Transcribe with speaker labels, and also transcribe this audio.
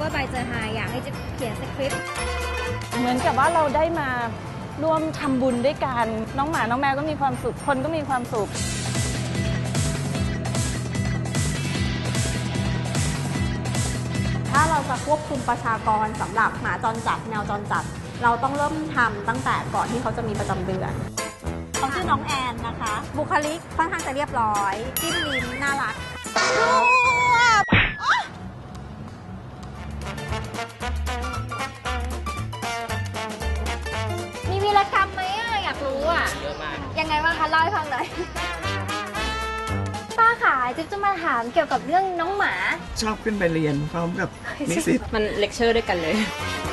Speaker 1: ว่าใบเจอไฮอยากให้จิ๊บเขียนสคริปต์
Speaker 2: เหมือนกับว่าเราได้มาร่วมทำบุญด้วยกันน้องหมาน้องแมวก็มีความสุขคนก็มีความสุข
Speaker 3: ถ้าเราจะควบคุมประชากรสำหรับหมาจรจัดแมวจรจัดเราต้องเริ่มทำตั้งแต่ก่อนที่เขาจะมีประจำเดือนเขาชื่อน้องแอนนะคะบุคลิกค่อนข้างจะเรียบร้อยจิ้มลิ้มน่ารัก
Speaker 1: มีวีรกรรมไหมอยากรู้เยอะมากยังไงบ้างคะเล่าให้ฟังหน่อยป้าขาจิ๊บจะมาถามเกี่ยวกับเรื่องน้องหมา
Speaker 4: ชอบขึ้นไปเรียนพร้อมกับนิสิต
Speaker 5: มันเลคเชอร์ด้วยกันเลย